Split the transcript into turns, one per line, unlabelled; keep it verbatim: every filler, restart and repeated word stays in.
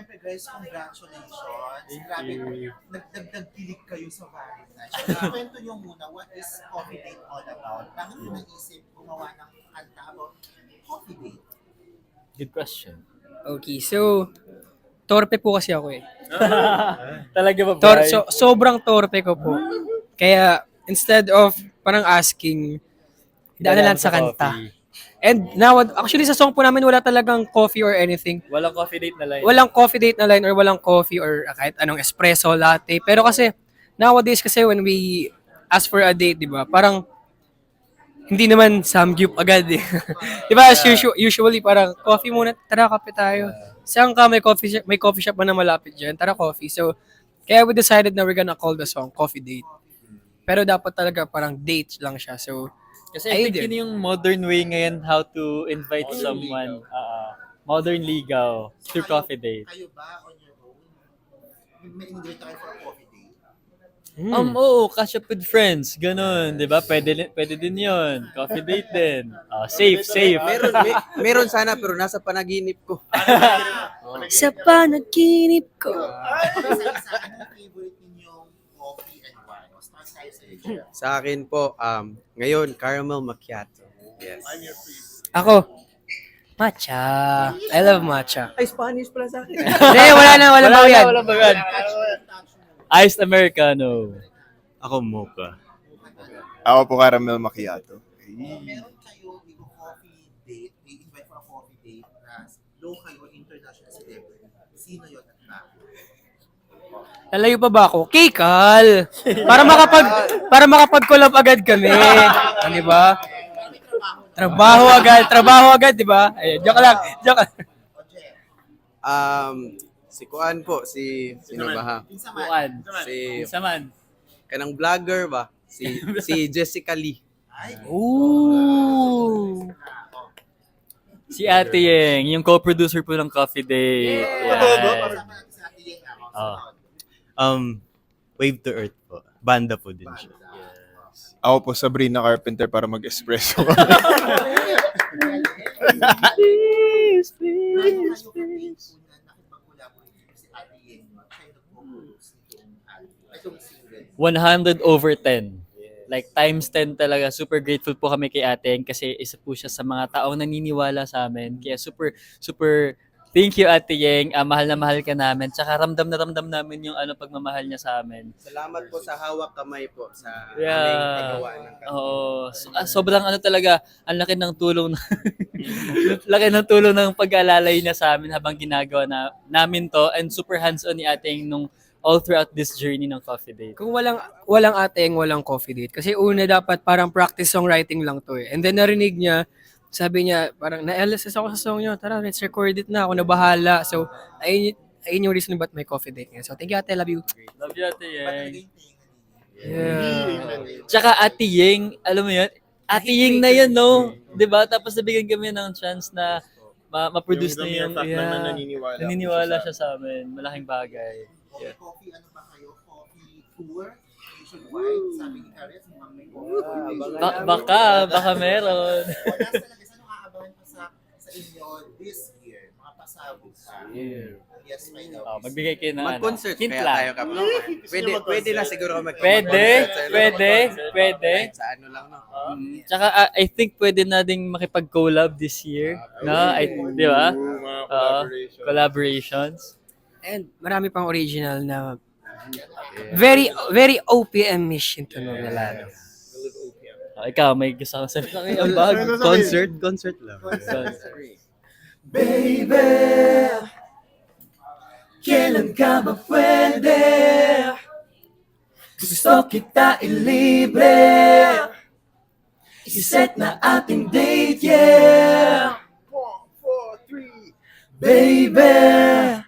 syempre guys, congratulations.
Thank
Grabe,
you.
nagdagdag kilig kayo sa Valentine's. So, kwento nyo muna, what is Coffee Date all about? Bakit mo naisip gumawa ng kanta about Coffee Date?
Good question.
Okay, so torpe po kasi ako eh.
Talaga ba,
Tor-
Bri?
so, sobrang torpe ko po. Kaya instead of parang asking, daan na lang sa kanta.
coffee.
And now, actually sa song po namin wala talagang coffee or anything.
Walang coffee date na line.
Walang coffee date na line or walang coffee or kahit anong espresso, latte. Pero kasi, nowadays kasi when we ask for a date, di ba, parang hindi naman samgyup agad eh. di ba, as usu- usually parang coffee muna, tara kape tayo. Saan ka may coffee shop, may coffee shop ba na malapit dyan? Tara coffee. So, kaya we decided na we're gonna call the song Coffee Date. Pero dapat talaga parang date lang siya. So,
Kasi I think
Ayun.
yun yung modern way ngayon how to invite someone. Uh, modern ligaw through
Kayo-
coffee date.
Kayo ba on your own? May invite kayo for a coffee date?
hmm.
Um, oo, catch up with friends. Ganun, di ba? Pwede, pwede din yun. Coffee date din. Ah, safe, safe.
Meron, may, meron sana pero nasa panaginip ko.
Sa panaginip ko.
Isa-isa, anong favorite ninyong coffee and wine? O start tayo sa iyo.
Sa akin po, um, ngayon, caramel macchiato. Yes.
Ako, matcha. I love matcha.
Ay, Spanish pala sa akin.
Hindi, wala na, wala,
Wala
ba
na,
yan.
wala ba yan? Iced Americano.
Ako mocha. Ako po caramel macchiato.
Meron kayo yung coffee date, may invite for a coffee date na local or international celebrity. Sino yun at bakit?
Lalayo pa ba ako? Kikal! Para makapag para makapag-collab agad kami. Ah, di ba? Trabaho agad, trabaho agad, di ba? Ayun, joke lang, joke lang.
O Jeff,
Um, si Kuan po, si, sino ba ha?
pinsa man.
Buwan.
Si,
Saman.
kanang vlogger ba? Si, si Jessica Lee.
Ay,
Ooh!
Si Ate Yeng, yung co-producer po ng Coffee Date. Yan.
kasama natin sa ating yung ako.
Oh.
Um, Wave to Earth po. Banda po din siya. Ako po Sabrina Carpenter para mag-espresso.
Please, please, please. Nakipag-collaborate si Ate Yen, siya yung nag-compose nitong album, itong single.
one hundred over ten. Like times ten talaga. Super grateful po kami kay Ate Yeng kasi isa po siya sa mga taong naniniwala sa amin. Kaya super, super thank you Ate Yeng. Ah, mahal na mahal ka namin. Tsaka ramdam na ramdam namin yung ano pagmamahal niya sa amin.
Salamat po sa hawak kamay po sa
Yeah.
aming paggawa ng kanta.
Oo. So, ah, sobrang ano talaga, ang laki ng tulong na, laki ng tulong ng pag-aalalay niya sa amin habang ginagawa na, namin to and super hands-on ni Ate Yeng nung all throughout this journey ng Coffee Date.
Kung walang walang ateng, walang coffee date. Kasi una dapat parang practice songwriting lang to eh. And then narinig niya, sabi niya, parang na-L S S ako sa song niyo. Tara, let's record it na. Ako na bahala. So, ayun, y- ayun yung reason ba't may coffee date ngayon. So, thank you ate, love you.
Love you Ate Yeng.
Yeah.
Tsaka Ate Yeng, alam mo yun, Ate Yeng na yan, no? Diba? Tapos nabigyan kami ng chance na ma- ma-produce na yung, yeah,
naniniwala.
naniniwala siya sa amin. Malaking bagay.
Coffee, coffee, ano ba kayo? Coffee tour? Nationwide? Sabi ni Karet, mukhang may coffee tour nationwide.
Ba- baka, baka meron.
O, nasa talaga, saan aabangan pa sa, sa inyo this year? Mga pasabog pa. Yes, may daw.
Oh, magbigay kayo ng
Mag-concert
hint
kaya
lang.
tayo kapag. Pwede, pwede na siguro mag
Pwede, pwede, pwede.
Kahit sa ano lang, no?
Mm, Tsaka ah, I think pwede na ding makipag-collab this year. No? I, di ba? Oo, collaborations.
And marami pang original na very, very O P M mission to know na lalo.
Oh, ikaw, may gusto kang sabihin. Ang bag.
Concert, concert lang.
Kailan ka ba pwede? Gusto kita ilibre. Iset na ating date, yeah. Baby,